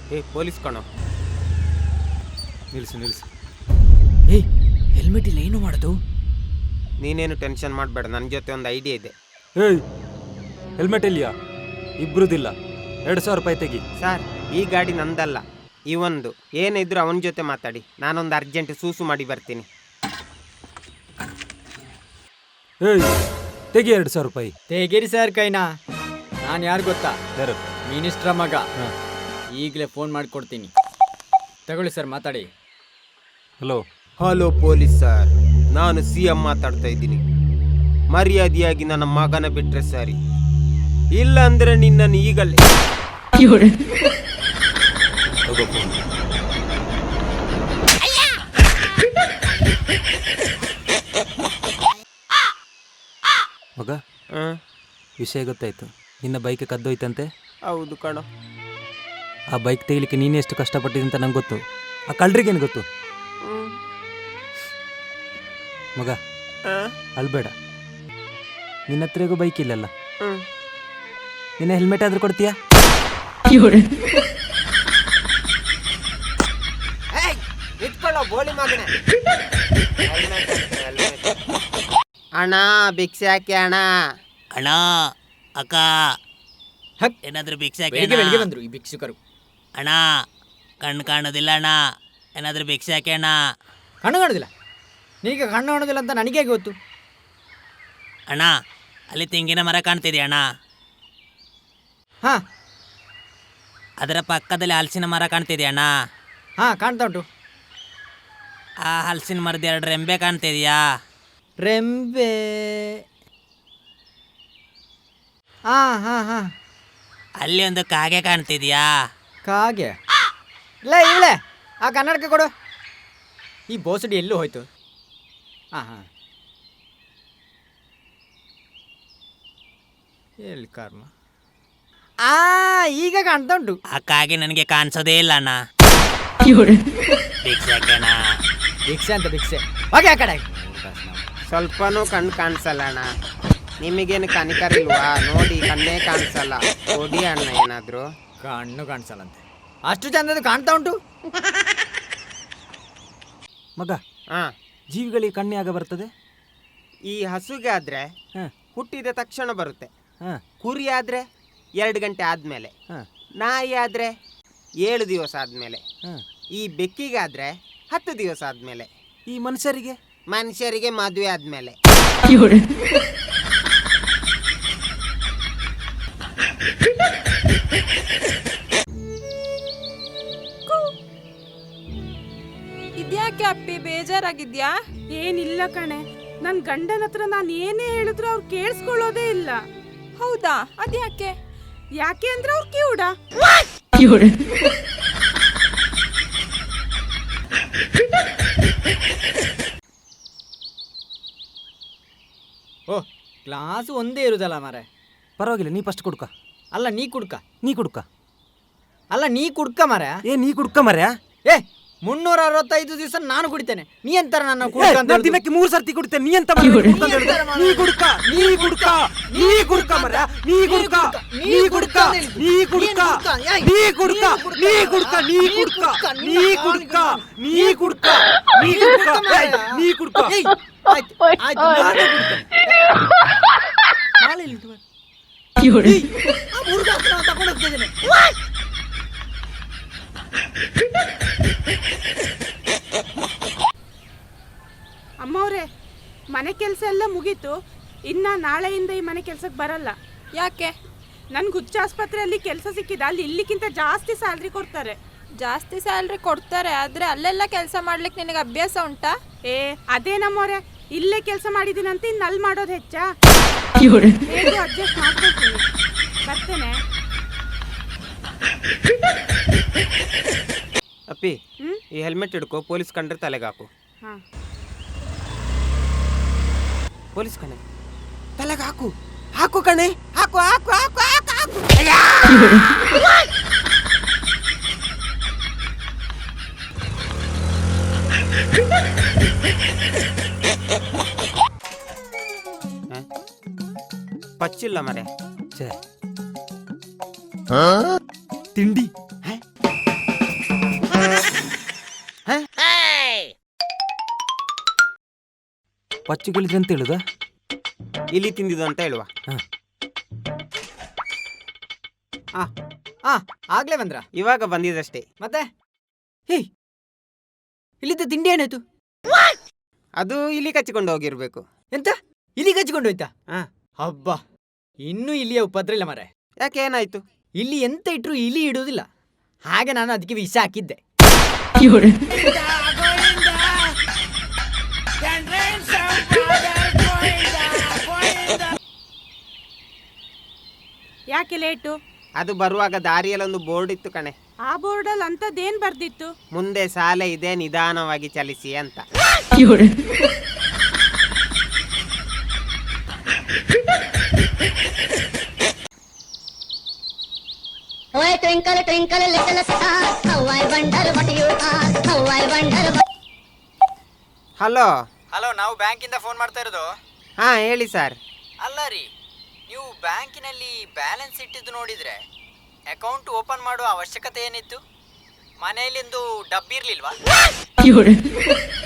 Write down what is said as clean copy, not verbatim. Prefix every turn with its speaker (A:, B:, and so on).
A: ಏ ಪೊಲೀಸ್ ಕಣೋ.
B: ನಿಲ್ಸು.
C: ಏಯ್ ಹೆಲ್ಮೆಟ್ ಇಲ್ಲ, ಏನು ಮಾಡೋದು?
A: ನೀನೇನು ಟೆನ್ಷನ್ ಮಾಡಬೇಡ, ನನ್ನ ಜೊತೆ ಒಂದು ಐಡಿಯಾ ಇದೆ.
B: ಏಯ್ ಹೆಲ್ಮೆಟ್ ಇಲ್ಲಿಯಾ? ಇಬ್ರುದಿಲ್ಲ, 2,000 ರೂಪಾಯಿ ತೆಗಿ.
A: ಸರ್, ಈ ಗಾಡಿ ನಂದಲ್ಲ, ಇವಂದು. ಏನಿದ್ರು ಅವನ ಜೊತೆ ಮಾತಾಡಿ, ನಾನೊಂದು ಅರ್ಜೆಂಟ್ ಸೂಸು ಮಾಡಿ ಬರ್ತೀನಿ.
B: ಏಯ್ ತೆಗಿ 2,000 ರೂಪಾಯಿ.
C: ತೆಗೀರಿ ಸರ್ ಕೈನಾ. ನಾನು ಯಾರು ಗೊತ್ತಾ?
B: ಯಾರು?
C: ಮಿನಿಸ್ಟ್ರ ಮಗ.
B: ಹಾಂ,
C: ಈಗಲೇ ಫೋನ್ ಮಾಡಿಕೊಡ್ತೀನಿ, ತಗೊಳ್ಳಿ ಸರ್, ಮಾತಾಡಿ.
A: ಹಲೋ ಪೊಲೀಸ್ ಸರ್, ನಾನು CM ಮಾತಾಡ್ತಾ ಇದ್ದೀನಿ. ಮರ್ಯಾದೆಯಾಗಿ ನನ್ನ ಮಗನ ಬಿಟ್ರೆ ಸರಿ, ಇಲ್ಲ ಅಂದ್ರೆ ನಿನ್ನನ್ನು ಈಗಲೇ
B: ಮಗ, ವಿಷಯ ಗೊತ್ತಾಯ್ತು. ನಿನ್ನ ಬೈಕ್ ಕದ್ದೋಯ್ತಂತೆ.
A: ಹೌದು ಕಣೋ.
B: ಆ ಬೈಕ್ ತೆಗಿಲಿಕ್ಕೆ ನೀನೇ ಎಷ್ಟು ಕಷ್ಟಪಟ್ಟಿದೆ ಅಂತ ನಂಗೆ ಗೊತ್ತು. ಆ ಕಳ್ರಿಗೇನು ಗೊತ್ತು? ಮಗ ಅಳ್ಬೇಡ, ನಿನ್ನ ಹತ್ರಗೂ ಬೈಕ್ ಇಲ್ಲಲ್ಲ, ನಿನ್ನ ಹೆಲ್ಮೆಟ್ ಆದ್ರೂ ಕೊಡ್ತೀಯಾ?
A: ಅಣ್ಣ ಭಿಕ್ಷೆ ಹಾಕಿ ಅಣ್ಣ.
D: ಅಣ್ಣ, ಅಕ್ಕ, ಏನಾದ್ರೂ ಭಿಕ್ಷೆ ಹಾಕಿ.
C: ಬೆಳಿಗ್ಗೆ ಬಂದ್ರು ಈ ಭಿಕ್ಷುಕರು.
D: ಅಣ್ಣ, ಕಣ್ಣು ಕಾಣೋದಿಲ್ಲ ಅಣ್ಣ, ಏನಾದ್ರೂ ಭಿಕ್ಷೆ ಹಾಕಿ ಅಣ್ಣ.
C: ಕಣ್ಣು ಕಾಣೋದಿಲ್ಲ? ನಿನಗೆ ಕಣ್ಣು ಕಾಣೋದಿಲ್ಲ ಅಂತ ನನಗೆ ಗೊತ್ತು.
D: ಅಣ್ಣ, ಅಲ್ಲಿ ತೆಂಗಿನ ಮರ ಕಾಣ್ತಿದೆಯಾ ಅಣ್ಣ?
C: ಹಾಂ.
D: ಅದರ ಪಕ್ಕದಲ್ಲಿ ಹಲಸಿನ ಮರ ಕಾಣ್ತಿದೆಯಾ ಅಣ್ಣ?
C: ಹಾಂ, ಕಾಣ್ತಾ ಉಂಟು.
D: ಆ ಹಲಸಿನ ಮರದ 2 ರೆಂಬೆ ಕಾಣ್ತಿದೆಯಾ?
C: ರೆಂಬೆ? ಹಾಂ.
D: ಅಲ್ಲಿ ಒಂದು ಕಾಗೆ ಕಾಣ್ತಿದ್ಯಾ?
C: ಕಾಗೆ? ಇಲ್ಲ ಇವಳೆ, ಆ ಕನ್ನಡಕ್ಕೆ ಕೊಡು. ಈ ಬೋಸಡಿ ಎಲ್ಲೂ ಹೋಯ್ತು? ಹಾಂ, ಎಲ್ಲಿ ಕರ್ಮ. ಈಗ ಕಾಣ್ತಾ ಉಂಟು.
D: ಆ ಕಾಗೆ ನನಗೆ ಕಾಣಿಸೋದೇ ಇಲ್ಲ ಅಣ್ಣ. ಭಿಕ್ಷೆ ಹಾಕಿ ಅಣ್ಣ.
C: ಭಿಕ್ಷೆ ಅಂತ ಭಿಕ್ಷೆ ಹೋಗಿ ಆ ಕಡೆ.
A: ಸ್ವಲ್ಪನೂ ಕಣ್ಣು ಕಾಣಿಸಲ್ಲ ಅಣ್ಣ. ನಿಮಗೇನು ಕನಿಕರ ಇಲ್ವಾ? ನೋಡಿ, ಕಣ್ಣೇ ಕಾಣಿಸಲ್ಲ. ಕೊಡಿ ಅಣ್ಣ ಏನಾದ್ರು.
C: ಕಣ್ಣು ಕಾಣಿಸಲ್ಲಂತೆ, ಅಷ್ಟು ಚಂದದ್ದು ಕಾಣ್ತಾ ಉಂಟು.
B: ಮಗ,
A: ಹಾಂ,
B: ಜೀವಿಗಳಿಗೆ ಕಣ್ಣೆ ಆಗ ಬರ್ತದೆ?
A: ಈ ಹಸುಗೆ ಆದ್ರೆ
B: ಹಾಂ
A: ಹುಟ್ಟಿದ ತಕ್ಷಣ ಬರುತ್ತೆ.
B: ಹಾಂ
A: ಕುರಿ ಆದ್ರೆ 2 ಗಂಟೆ ಆದ್ಮೇಲೆ.
B: ಹಾಂ
A: ನಾಯಿ ಆದ್ರೆ 7 ದಿವಸ ಆದ್ಮೇಲೆ.
B: ಹಾಂ
A: ಈ ಬೆಕ್ಕಿಗಾದ್ರೆ 10 ದಿವಸ ಆದ್ಮೇಲೆ.
B: ಈ ಮನುಷ್ಯರಿಗೆ
A: ಮದುವೆ ಆದ್ಮೇಲೆ.
E: ಇದ್ಯಾಕೆ ಅಪ್ಪಿ, ಬೇಜಾರಾಗಿದ್ಯಾ?
F: ಏನಿಲ್ಲ ಕಣೆ, ನನ್ ಗಂಡನ ಹತ್ರ ನಾನು ಏನೇ ಹೇಳಿದ್ರು ಅವ್ರು ಕೇಳಿಸ್ಕೊಳ್ಳೋದೇ ಇಲ್ಲ.
E: ಹೌದಾ? ಅದ್ಯಾಕೆ?
F: ಯಾಕೆ ಅಂದ್ರೆ ಅವ್ರು ಕಿವುಡ.
C: ಓ, ಕ್ಲಾಸ್ ಒಂದೇ ಇರುದಲ್ಲ ಮಾರೆ.
B: ಪರವಾಗಿಲ್ಲ, ನೀ ಫಸ್ಟ್ ಕುಡ್ಕ.
C: ಅಲ್ಲ ನೀ ಕುಡ್ಕ. ಅಲ್ಲ ನೀ ಕುಡ್ಕ ಮಾರೆ.
B: ನೀ ಕುಡ್ಕ ಮರ್ಯಾ.
C: 365 ದಿವಸ ನಾನು ಕುಡಿತೇನೆ. ನೀ ಎಂತಾರ ನನ್ನ ಕುಡ್ಕ ಅಂತ ಹೇಳುದು?
B: ದಿನಕ್ಕೆ 3 ಸರ್ತಿ ಕುಡಿತೇನೆ. ನೀ ಎಂತ ನೀ
F: ಅಮ್ಮವ್ರೆ, ಮನೆ ಕೆಲಸ ಎಲ್ಲ ಮುಗೀತು. ಇನ್ನ ನಾಳೆಯಿಂದ ಈ ಮನೆ ಕೆಲ್ಸಕ್ಕೆ ಬರಲ್ಲ.
E: ಯಾಕೆ?
F: ನನ್ಗೆ ಹುಚ್ಚ ಆಸ್ಪತ್ರೆಯಲ್ಲಿ ಕೆಲಸ ಸಿಕ್ಕಿದ. ಅಲ್ಲಿ ಇಲ್ಲಿಗಿಂತ ಜಾಸ್ತಿ ಸ್ಯಾಲ್ರಿ ಕೊಡ್ತಾರೆ.
E: ಜಾಸ್ತಿ ಸ್ಯಾಲ್ರಿ ಕೊಡ್ತಾರೆ, ಆದ್ರೆ ಅಲ್ಲೆಲ್ಲ ಕೆಲಸ ಮಾಡ್ಲಿಕ್ಕೆ ನಿನಗೆ ಅಭ್ಯಾಸ ಉಂಟಾ?
F: ಅದೇ ನಮ್ಮವ್ರೆ, ಇಲ್ಲೇ ಕೆಲಸ ಮಾಡಿದ್ದೀನಂತ ಇನ್ನು ಅಲ್ಲಿ ಮಾಡೋದು ಹೆಚ್ಚಾ? ಅಡ್ಜಸ್ಟ್ ಮಾಡ್ಕೊಳ್ತೀನಿ. ಬರ್ತೇನೆ.
A: ಅಪ್ಪಿ, ಈ ಹೆಲ್ಮೆಟ್ ಹಿಡ್ಕೋ. ಪೊಲೀಸ್ ಕಂಡ್ರೆ ತಲೆಗೆ ಹಾಕು.
F: ಹಾಂ,
A: ಪೊಲೀಸ್ ಕಣೆ, ತಲೆಗೆ ಹಾಕು. ಹಾಕು ಕಣೆ, ಹಾಕು. ಪಚ್ಚಿಲ್ಲ ಮರೆ.
B: ತಿಂಡಿ ಪಚ್ಚುಗಿಳಿದ್ರೆ ಅಂತ ಹೇಳುದಾ?
A: ಇಲಿ ತಿಂದಿದ್ದು ಅಂತ ಹೇಳುವ.
C: ಆಗ್ಲೇ ಬಂದ್ರ?
A: ಇವಾಗ ಬಂದಿದಷ್ಟೇ.
C: ಮತ್ತೆ ಹೇ ಇಲ್ಲಿದ್ದ ತಿಂಡಿ ಏನಾಯ್ತು?
A: ಅದು ಇಲಿ ಕಚ್ಚಿಕೊಂಡು ಹೋಗಿರ್ಬೇಕು.
C: ಎಂತ ಇಲಿ ಕಚ್ಚಿಕೊಂಡು ಹೋಯ್ತಾ?
A: ಹಾ.
C: ಹಬ್ಬ, ಇನ್ನೂ ಇಲಿಯ ಉಪದ್ರ ಇಲ್ಲ ಮಾರೆ.
A: ಯಾಕೆ, ಏನಾಯ್ತು?
C: ಇಲ್ಲಿ ಎಂತ ಇಟ್ರು ಇಲಿ ಇಡುವುದಿಲ್ಲ, ಹಾಗೆ ನಾನು ಅದಕ್ಕೆ ವಿಷ ಹಾಕಿದ್ದೆ.
F: ಯಾಕೆ ಲೇಟು?
A: ಅದು ಬರುವಾಗ ದಾರಿಯಲ್ಲಿ ಒಂದು ಬೋರ್ಡ್ ಇತ್ತು ಕಣೆ.
F: ಆ ಬೋರ್ಡಲ್ಲಿ ಅಂಥದ್ದೇನು ಬರ್ದಿತ್ತು?
A: ಮುಂದೆ ಶಾಲೆ ಇದೆ, ನಿಧಾನವಾಗಿ ಚಲಿಸಿ ಅಂತ.
G: Oh, twinkle, twinkle, little star, how I wonder what you are, how I wonder what...
A: hello.
C: Hello, ನಾವು ಬ್ಯಾಂಕಿಂದ ಫೋನ್ ಮಾಡ್ತಾ ಇರೋದು.
A: ಹಾ, ಹೇಳಿ ಸರ್.
C: ಅಲ್ಲ ರೀ, ನೀವು ಬ್ಯಾಂಕಿನಲ್ಲಿ ಬ್ಯಾಲೆನ್ಸ್ ಇಟ್ಟಿದ್ದು ನೋಡಿದ್ರೆ ಅಕೌಂಟ್ ಓಪನ್ ಮಾಡುವ ಅವಶ್ಯಕತೆ ಏನಿತ್ತು? ಮನೆಯಲ್ಲಿಂದು ಡಬ್ಬಿ ಇರ್ಲಿಲ್ವಾ?